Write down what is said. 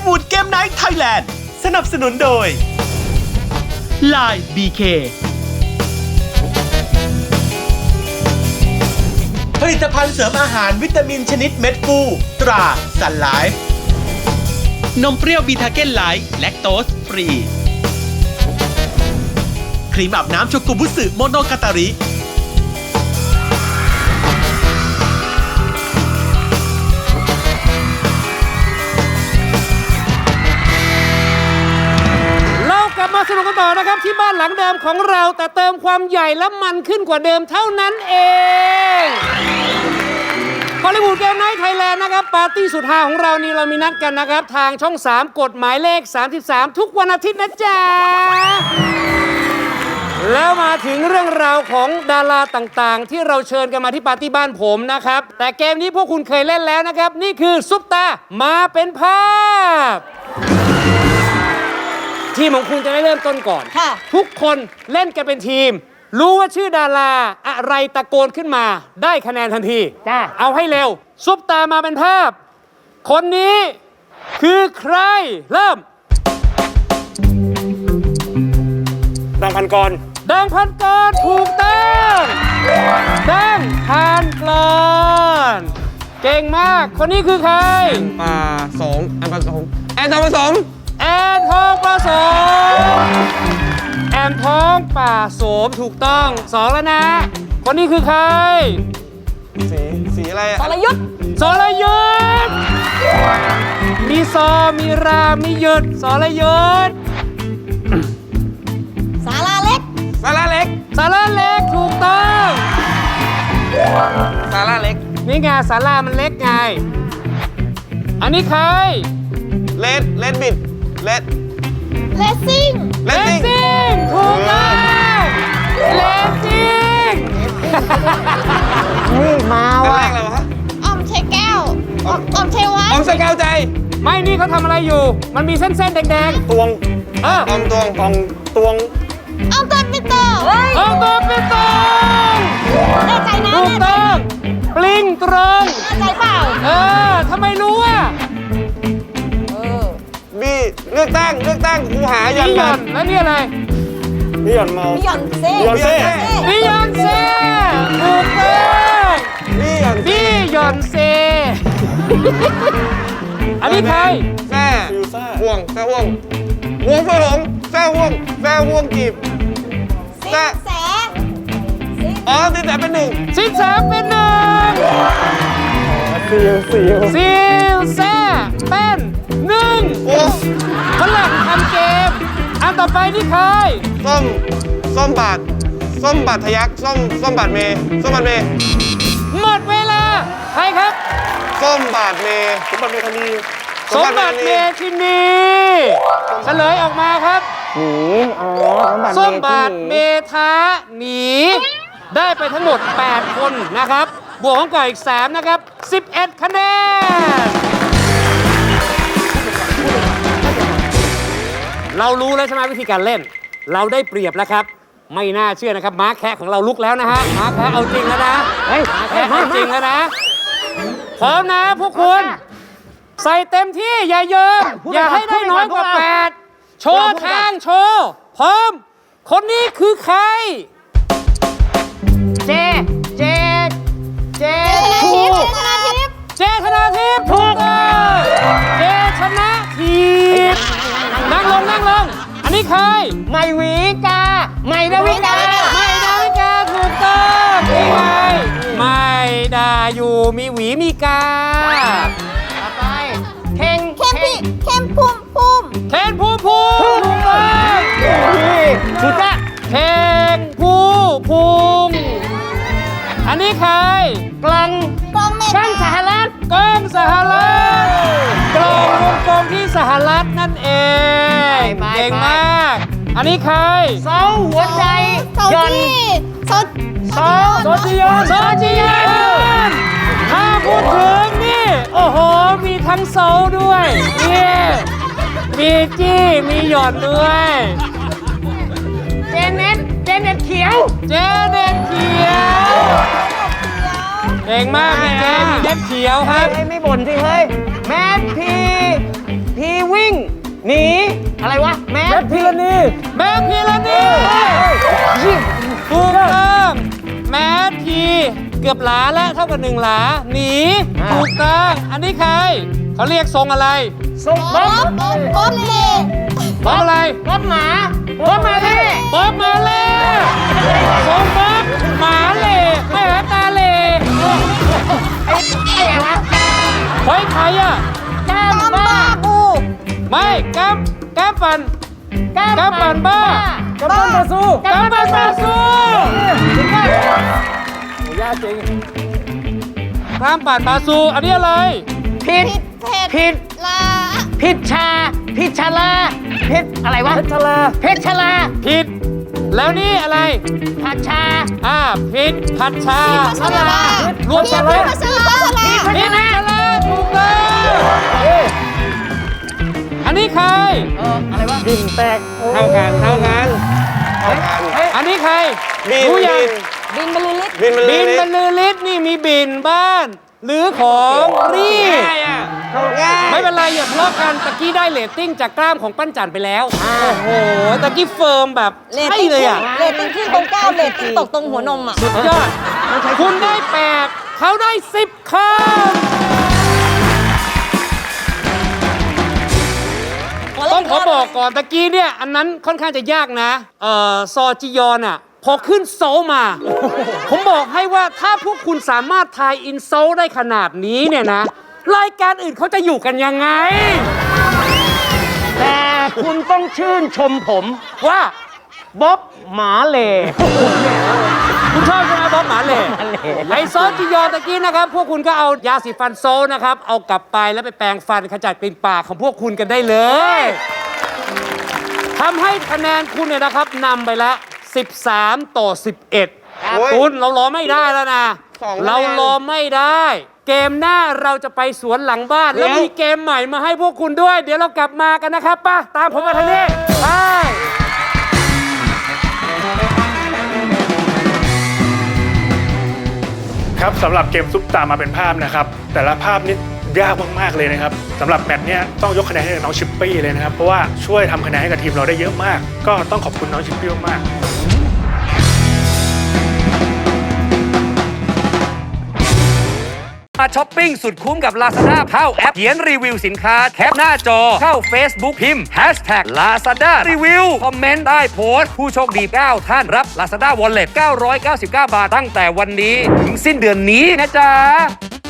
ลิวูดเกมไนท์ไทยแลนด์สนับสนุนโดย Line BK ผลิตภัณฑ์เสริมอาหารวิตามินชนิดเม็ดฟูตราซันไลฟ์นมเปรี้ยวบีทาเก้นไลท์แลคโตสฟรีครีมอาบน้ำโชกุบุสึโมโนกาตาริกลับมาสนุกกันต่อนะครับที่บ้านหลังเดิมของเราแต่เติมความใหญ่และมันขึ้นกว่าเดิมเท่านั้นเองฮอลลีวูดเกมไนท์ไทยแลนด์นะครับปาร์ตี้สุดฮาของเรานี่เรามีนัดกันนะครับทางช่อง 3 กฎหมายเลข 33 ทุกวันอาทิตย์นะจ๊ะแล้วมาถึงเรื่องราวของดาราต่างๆที่เราเชิญกันมาที่ปาร์ตี้บ้านผมนะครับแต่เกมนี้พวกคุณเคยเล่นแล้วนะครับนี่คือซุปตามาเป็นภาพทีมของคุณจะได้เริ่มต้นก่อนทุกคนเล่นกันเป็นทีมรู้ว่าชื่อดาราอะไรตะโกนขึ้นมาได้คะแนนทันทีเอาให้เร็วซุปตามาเป็นภาพคนนี้คือใครเริ่มดังพันกรดังพันกรถูกต้องดังพันกรเก่งมากคนนี้คือใครป่าสงแอนป่าสงแอนทองผสมแอนทองผสมแอนทองป่าโสมถูกต้อง2แล้วนะคนนี้คือใครสีอะไรสรยุทธสรยุทธมีซอมีรามียุทธสรยุทธสาราเล็กสาราเล็กสาราเล็กถูกต้องสาราเล็กนี่ไงสารามันเล็กไงอันนี้ใครเลดบิดเลสซิ่งถูกต้องเลสซิ่งนี่มาว่ะอะไรวะออมเชแก้วออมเชวัออมสกาวใจไม่นี่เขาทำอะไรอยู่มันมีเส้นๆแดงๆตวงออมตวงออมตวงออมต้นปิโตออมต้นปิโตแน่ใจนะถูกต้องปลิงตรงแน่ใจเปล่าทำไมรู้อ่ะบีเลือกตั้งครูหายันยันแล้วนี่อะไรบิยอนเมาบิยอนเซ่ถูกต้องบิยอนเซ่อันนี้ใครแซ่ห่วงเฟืองแซ่ห่วงจีบแซ่อ๋อสินแสเป็นหนึ่งซิลแซ่เป็นหนึ่งฝรั่งทำเกมอันต่อไปนี่ใครส้มบาททะยักส้มบาทเมหมดเวลาใครครับส้มบาทเมธานีสมบัติเมธินีเฉลยออกมาครับส้มบาทเมธานีได้ไปทั้งหมด8คนนะครับบวกของก่ออีก3นะครับ11คะแนนเรารู้แล้วใช่ไหมวิธีการเล่นเราได้เปรียบแล้วครับไม่น่าเชื่อนะครับม้าแคะของเราลุกแล้วนะฮะม้าแคะเอาจริงแล้วนะม้าแคะเอาจริงแล้วนะพร้อมนะพวกคุณใส่เต็มที่อย่าเยิมอย่าให้ได้น้อยกว่า8โชว์ทางโชว์พร้อมคนนี้คือใครเจธนาทิพย์ถูกต้องเจชนะทิพย์นั่งลงอันนี้ใครใหม่ดาวิกาถูกต้องนี่ไงใหม่ดาอยู่มีหวีมีกาต่อไปเคนภูมิถูกต้องถูกจ้ะเคนภูมิอันนี้ใครกล้องสหรัฐกล้องวงกลมที่สหรัฐนั่นเองเก่งมากอันนี้ใครเสาหัวใจยนโซจิยอนถ้าพูดถึงนี่โอ้โหมีทั้งโซด้วยนี่มีจี้มีหยอดด้วยเจเน็ตเขียวเก่งมากมีเน็ตเขียวครับไม่บ่นสิเฮ้ยแมทพีวีหนีอะไรวะแมแมทพิรณีแมทพิรณีถูกต้องแมทพีเกือบหลาและเท่ากับ1 หลาหนีถูกต้องอันนี้ใครเขาเรียกทรงอะไรบ๊อบเล่บ๊อบอะไรบ๊อบหมาบ๊อบมาดิบ๊อบมาเล่ทรงบ๊อบหมาเล่แม่ตาเล่เฮ้ยใครอ่ะกามบ้าบูไม่แก้มปั่นแก้มปั่นบ้ากามบ้าสู้แก้มปั่นบาซูยากจริงแก้มปั่นบาซูอันนี้อะไรผิด ผิดลาผิดชาผิดชาลาผิดอะไรวะเพชรลาเพชรชลาผิด แล้วนี่อะไรผัดชาผิดผัดชาร รวมพี่กันเลยพัชราผิดชลาถูกต้องอันนี้ใครอะไรวะดิ่งแตกเท่ากันอันนี้ใครบินรู้ยังบินบรรลือฤทธิ์บินบินบรรลือฤทธิ์นี่มีบินบ้าน หรือของรีบง่ายไม่เป็นไรอย่าทะเลาะกันตะกี้ได้เรตติ้งจากกล้ามของปั้นจันไปแล้วโอ้โหตะกี้เฟิร์มแบบเรตใช่ติ้งเลยอ่ะเรตติ้งขึ้นตรงก้าวเรตติ้งตกตรงหัวนมอ่ะสุดยอดคุณได้8เขาได้10คำต้องขอบอกก่อนตะกี้เนี่ยอันนั้นค่อนข้างจะยากนะซอจิยอนอ่ะพอขึ้นโซลมา ผมบอกให้ว่าถ้าพวกคุณสามารถทายอินโซลได้ขนาดนี้เนี่ยนะ รายการอื่นเขาจะอยู่กันยังไงแต่คุณต้องชื่นชมผมว่าบ๊อบหมาเหล่คุณชอบใช่ไหมบ๊อบหมาเหล่ไอซอสจิยอนตะกี้นะครับ พวกคุณก็เอายาสีฟันโซลนะครับ เอากลับไปแล้วไปแปรงฟันขจัดกลิ่นปากของพวกคุณกันได้เลยทำให้คะแนนคุณเนี่ยนะครับนำไปละ13-11คุณเรารอไม่ได้แล้วนะ เรารอไม่ได้ เกมหน้าเราจะไปสวนหลังบ้าน แล้วมีเกมใหม่มาให้พวกคุณด้วย เดี๋ยวเรากลับมากันนะครับป่ะตามผมมาทางนี้ไปครับสำหรับเกมซุปตามาเป็นภาพนะครับ แต่ละภาพนี้ยากมากๆเลยนะครับสำหรับแมตช์เนี้ยต้องยกคะแนนให้น้องชิปปี้เลยนะครับ เพราะว่าช่วยทำคะแนนให้กับทีมเราได้เยอะมาก ก็ต้องขอบคุณน้องชิปปี้มากๆมาช้อปปิ้งสุดคุ้มกับ Lazada เข้าแอปเขียนรีวิวสินค้าแคปหน้าจอเข้า Facebook พิมพ์ #Lazada Review คอมเมนต์ใต้โพสต์ผู้โชคดี 9 ท่านรับ Lazada Wallet 999 บาทตั้งแต่วันนี้ถึงสิ้นเดือนนี้นะจ๊ะ